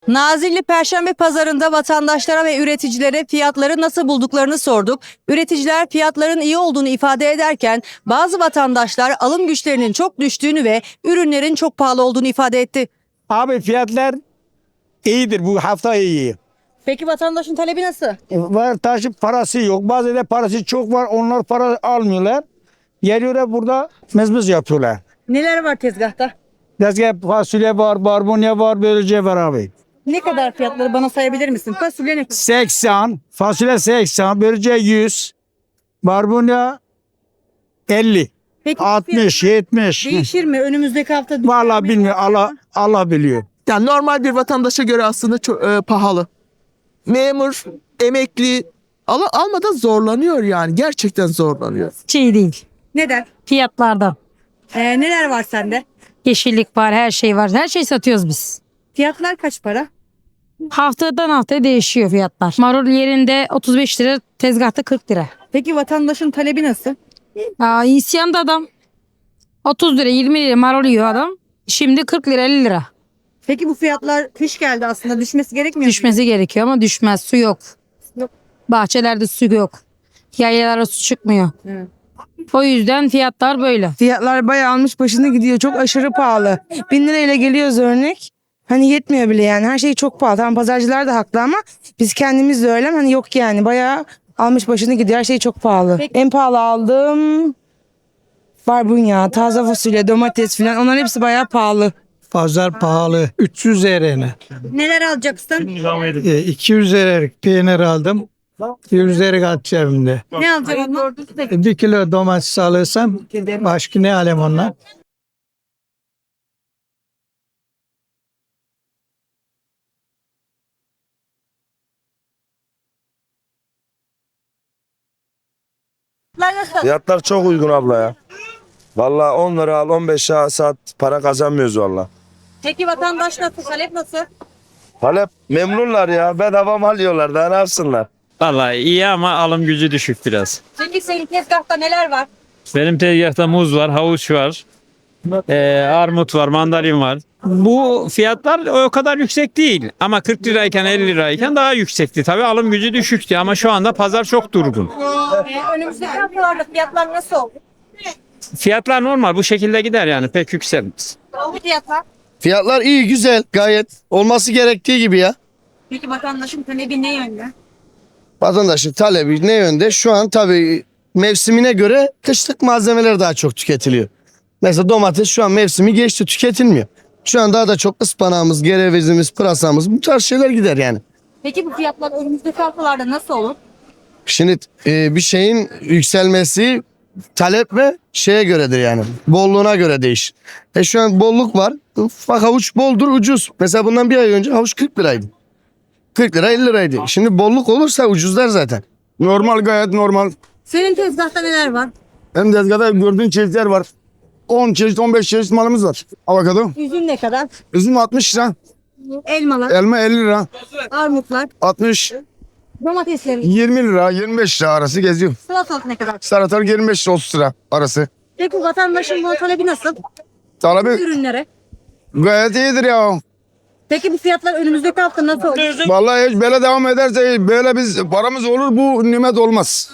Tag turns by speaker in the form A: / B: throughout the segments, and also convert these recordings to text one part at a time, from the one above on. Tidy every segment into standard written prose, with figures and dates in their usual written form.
A: Nazilli Perşembe Pazarı'nda vatandaşlara ve üreticilere fiyatları nasıl bulduklarını sorduk. Üreticiler fiyatların iyi olduğunu ifade ederken bazı vatandaşlar alım güçlerinin çok düştüğünü ve ürünlerin çok pahalı olduğunu ifade etti.
B: Abi fiyatlar iyidir, bu hafta iyi.
A: Peki vatandaşın talebi nasıl?
B: Var taşıp parası yok. Bazı da parası çok var. Onlar para almıyorlar. Geliyorlar burada mezmez yapıyorlar.
A: Neler var tezgahta?
B: Tezgah fasulye var, barbunya var, böylece var abi.
A: Ne kadar fiyatları bana sayabilir misin? Fasulye ne kadar?
B: 80, fasulye 80, böylece 100, barbunya 50,
A: Peki
B: 60, 70.
A: değişir mi? Önümüzdeki hafta
B: Vallahi bilmiyorum. Allah biliyor.
C: Yani normal bir vatandaşa göre aslında çok pahalı. Memur, emekli almadan zorlanıyor yani. Gerçekten zorlanıyor.
D: Şey değil.
A: Neden?
D: Fiyatlardan.
A: Neler var sende?
D: Yeşillik var, her şey var. Her şey satıyoruz biz.
A: Fiyatlar kaç para?
D: Haftadan haftaya değişiyor fiyatlar. Marul yerinde 35 lira, tezgahta 40 lira.
A: Peki vatandaşın talebi nasıl?
D: İsyanda adam 30 lira, 20 lira marul yiyor adam. Şimdi 40 lira, 50 lira.
A: Peki bu fiyatlar kış geldi aslında düşmesi gerekmiyor mu?
D: Düşmesi gerekiyor ama düşmez. Su yok.
A: Yok.
D: Bahçelerde su yok. Yaylalara su çıkmıyor.
A: Evet.
D: O yüzden fiyatlar böyle.
E: Fiyatlar bayağı almış başını gidiyor. Çok aşırı pahalı. 1000 lirayla geliyoruz örnek. Hani yetmiyor bile yani. Her şey çok pahalı. Tamam pazarcılar da haklı ama biz kendimiz de öyle. Hani yok yani. Bayağı almış başını gidiyor. Her şey çok pahalı.
A: Peki.
E: En pahalı aldığım barbunya, taze fasulye, domates falan. Onların hepsi bayağı pahalı.
B: Pazar pahalı. 300 liraya.
A: Neler alacaksın?
B: 200 liraya peynir aldım. 100 liraya kaldı cebimde.
A: Ne alacaksın onu?
B: 1 kilo domates alırsam başka ne alayım ondan?
A: Fiyatlar nasıl?
F: Fiyatlar çok uygun abla ya. Vallahi 10 lira al 15 lira saat para kazanmıyoruz valla.
A: Peki vatandaş nasıl? Talep nasıl?
F: Talep memnunlar ya, bedava mal yiyorlar, daha ne yapsınlar?
G: Vallahi iyi ama alım gücü düşük biraz.
A: Peki senin tezgahta neler var?
G: Benim tezgahta muz var, havuç var, armut var, mandalin var. Bu fiyatlar o kadar yüksek değil ama 40 lirayken 50 lirayken daha yüksekti. Tabii alım gücü düşüktü ama şu anda pazar çok durgun.
A: Önümüzdeki haftalarda fiyatlar nasıl oldu?
G: Fiyatlar normal bu şekilde gider yani pek yükselmez.
A: Fiyatlar.
H: Fiyatlar iyi, güzel, gayet olması gerektiği gibi ya.
A: Peki vatandaşın talebi ne yönde?
H: Vatandaşın talebi ne yönde? Şu an tabii mevsimine göre kışlık malzemeler daha çok tüketiliyor. Mesela domates şu an mevsimi geçti, tüketilmiyor. Şu an daha da çok ıspanağımız, gerevizimiz, pırasamız bu tarz şeyler gider yani.
A: Peki bu fiyatlar önümüzdeki haftalarda nasıl olur?
H: Şimdi bir şeyin yükselmesi talep ve şeye göredir yani. Bolluğuna göre değişir. Şu an bolluk var. Bak havuç boldur, ucuz. Mesela bundan bir ay önce havuç 40 liraydı. 40 lira 50 liraydı. Şimdi bolluk olursa ucuzlar zaten.
I: Normal, gayet normal.
A: Senin tezgahta neler var?
I: Hem tezgahda gördüğün çeşitler var. 10 çeşit 15 çeşit malımız var. Avokado.
A: Üzüm ne kadar?
I: Üzüm 60 lira.
A: Elmalar,
I: Elma 50 lira.
A: armutlar,
I: 60,
A: domateslerin,
I: 20 lira, 25 lira arası geziyor.
A: salatalık ne kadar?
I: Salatalık 25 lira 30 lira arası.
A: Peki vatandaşın bu talebi nasıl?
I: Talebi
A: Ürünlere.
I: gayet iyidir ya.
A: Peki bu fiyatlar önümüzdeki hafta nasıl olur?
I: Vallahi hiç böyle devam ederse böyle biz paramız olur, bu nimet olmaz.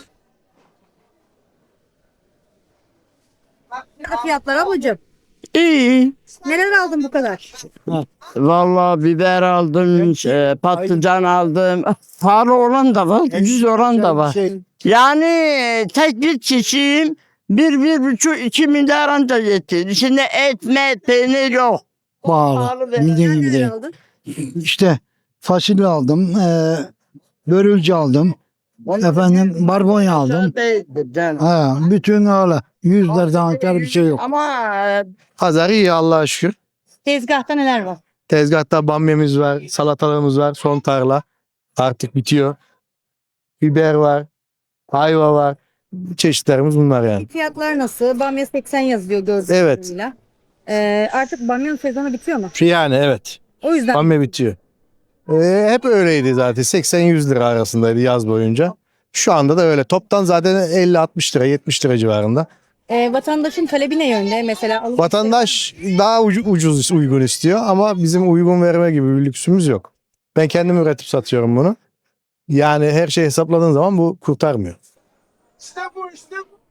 A: Fiyatlar ablacığım.
J: İyi.
A: Neler aldın bu kadar?
J: Vallahi biber aldım, patlıcan aldım. Pahalı olan da var, ucuz olan da var. Yani tek bir çiçeğim 1,5-2 milyar anca yetti. İçinde et, peynir yok.
B: Pahalı.
A: Neler aldın?
B: İşte fasulye aldım, börülce aldım, efendim barbunya aldım. Bütün öyle 100 liradan aşağı bir şey yok.
J: Ama
H: Pazar iyi Allah'a şükür.
A: Tezgahta neler var?
H: Tezgahta bamyamız var, salatalığımız var, son tarla. Artık bitiyor. Biber var, ayva var. Çeşitlerimiz bunlar yani.
A: Fiyatlar nasıl? Bamya 80 yazıyor gördüğünüz
H: Evet.
A: kadarıyla. Artık bamyanın sezonu bitiyor mu?
H: Yani evet.
A: O yüzden
H: Bamya bitiyor. Hep öyleydi zaten. 80-100 lira arasındaydı yaz boyunca. Şu anda da öyle. Toptan zaten 50-60 lira, 70 lira civarında.
A: vatandaşın talebi ne yönde? Mesela
H: Vatandaş daha ucuz uygun istiyor ama bizim uygun verme gibi bir lüksümüz yok.
K: Ben kendim üretip satıyorum bunu. Yani her şeyi hesapladığın zaman bu kurtarmıyor.
C: İşte bu.